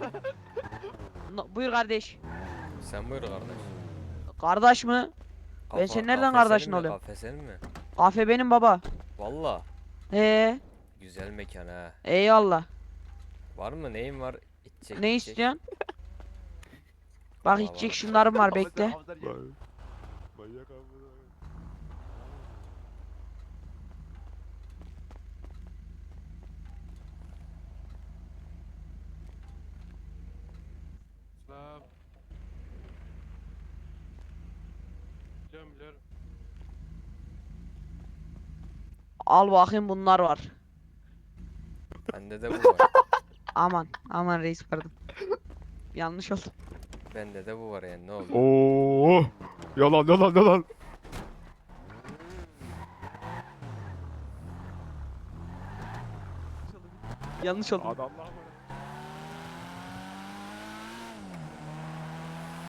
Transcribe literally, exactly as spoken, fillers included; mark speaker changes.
Speaker 1: No, buyur kardeş.
Speaker 2: Sen buyur kardeş.
Speaker 1: Kardeş mi? Ben senin nereden
Speaker 2: kafe
Speaker 1: kardeşin
Speaker 2: senin mi?
Speaker 1: oluyorum?
Speaker 2: Kafe senin mi?
Speaker 1: Kafe benim baba.
Speaker 2: Valla.
Speaker 1: He,
Speaker 2: Güzel mekan ha.
Speaker 1: eyvallah.
Speaker 2: Var mı? Neyin var? İçecek
Speaker 1: Ne
Speaker 2: içecek.
Speaker 1: istiyorsun? Bak
Speaker 2: Valla
Speaker 1: içecek
Speaker 2: var.
Speaker 1: şunlarım var
Speaker 3: Ahmet
Speaker 1: bekle.
Speaker 3: Ahmet gel. Manyak abi.
Speaker 4: Selam. Biliyorum biliyorum.
Speaker 1: Al bakayım bunlar var.
Speaker 2: Bende de bu var.
Speaker 1: Aman aman reis pardon. Yanlış oldu.
Speaker 2: Bende de bu var yani ne oldu?
Speaker 3: Oo. Yalan yalan yalan.
Speaker 1: Yanlış oldu.
Speaker 3: Adamlar var.